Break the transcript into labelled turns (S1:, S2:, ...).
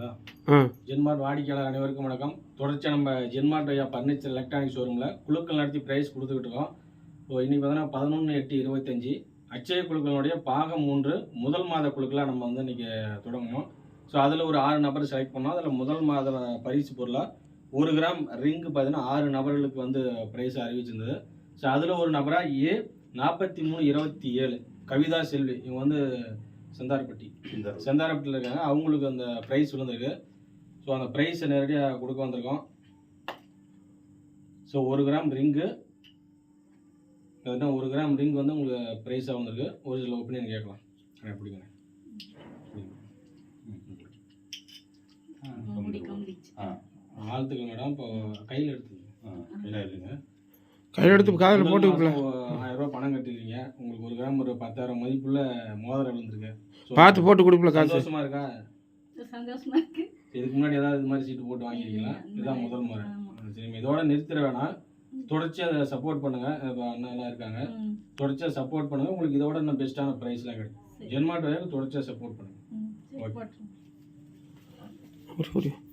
S1: சரிங்களா? ஜென்மார்ட் வாடிக்கையாளர் அனைவருக்கும் வணக்கம். தொடர்ச்சியாக நம்ம ஜென்மார்ட் ஐயா ஃபர்னிச்சர் எலக்ட்ரானிக் ஷோரூமில் குழுக்கள் நடத்தி ப்ரைஸ் கொடுத்துக்கிட்டு இருக்கோம். ஸோ இன்றைக்கி பார்த்தீங்கன்னா 11/8/25 அச்சய குழுக்களுடைய பாகம் 3 முதல் மாத குழுக்களாக நம்ம வந்து இன்றைக்கி தொடங்கணும். ஸோ அதில் ஒரு 6 நபர் செலக்ட் பண்ணோம். அதில் முதல் மாத பரிசு பொருளாக 1 கிராம் ரிங்கு பார்த்தீங்கன்னா 6 நபர்களுக்கு வந்து ப்ரைஸ் அறிவிச்சிருந்தது. ஸோ அதில் ஒரு நபராக A4327 கவிதா செல்வி, இவங்க வந்து செந்தாரப்பட்டியில் இருக்காங்க. அவங்களுக்கு அந்த ப்ரைஸ் விழுந்திருக்கு. ஸோ அந்த ப்ரைஸை நேரடியாக கொடுக்க வந்திருக்கோம். ஸோ 1 கிராம் ரிங்கு அதுனா 1 கிராம் ரிங் வந்து உங்களுக்கு ப்ரைஸாக வந்திருக்கு. ஒரு சில ஒப்பீனியன் கேட்கலாம். எனக்கு பிடிக்குங்க. வாழ்த்துக்கள் மேடம். இப்போ கையில் எடுத்துங்க. கையில் எடுத்து காதில் போட்டு 1000 ரூபா பணம் கட்டிருக்கீங்க. உங்களுக்கு 1 கிராம் ஒரு 10,000 மதிப்புள்ள மோதிரம் விழுந்திருக்கு. பார்த்து போட்டு கொடுக்கல. சந்தோஷமா இருக்கா?
S2: சந்தோஷமா இருக்கு.
S1: இதுக்கு முன்னாடி ஏதாவது இது மாதிரி சீட்டு போட்டு வாங்கிருக்கீங்களா? இதுதான் முதல் முறை. சரி, இதோட நிறுத்திட வேணாம். தொடர்ச்சியாக அதை சப்போர்ட் பண்ணுங்க. அண்ணாலாம் இருக்காங்க. தொடர்ச்சியாக சப்போர்ட் பண்ணுங்க. உங்களுக்கு இதோட இன்னும் பெஸ்ட்டான ப்ரைஸ்லாம் கிடைக்கும். ஜென்மார்ட் தொடர்ச்சியாக சப்போர்ட் பண்ணுங்க. ஓகே.